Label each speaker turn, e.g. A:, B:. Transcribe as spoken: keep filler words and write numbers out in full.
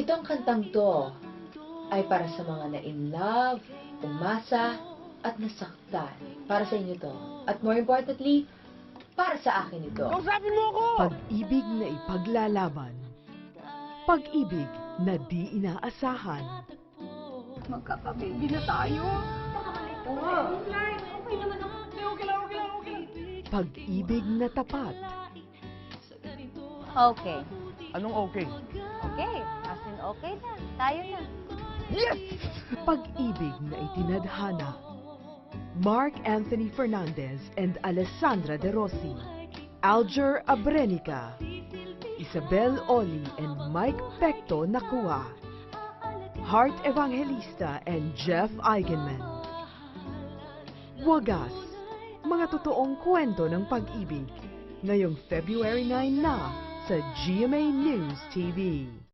A: Itong kantang to ay para sa mga na-in-love, umasa, at nasaktan. Para sa inyo to. At more importantly, para sa akin ito.
B: Kausapin mo ako!
C: Pag-ibig na ipaglalaban. Pag-ibig na di inaasahan.
B: Magkakababy na tayo. Oo. Okay naman ako. Okay lang, okay lang, okay lang.
C: Pag-ibig na tapat.
D: Okay.
B: Anong okay?
D: Okay. As in, okay na. Tayo na.
B: Yes!
C: Pag-ibig na itinadhana. Mark Anthony Fernandez and Alessandra De Rossi. Alger Abrenica. Isabel Oli and Mike Pecto Nakua. Heart Evangelista and Jeff Eigenman. Wagas, mga totoong kwento ng pag-ibig. Ngayong February nine na sa G M A News T V.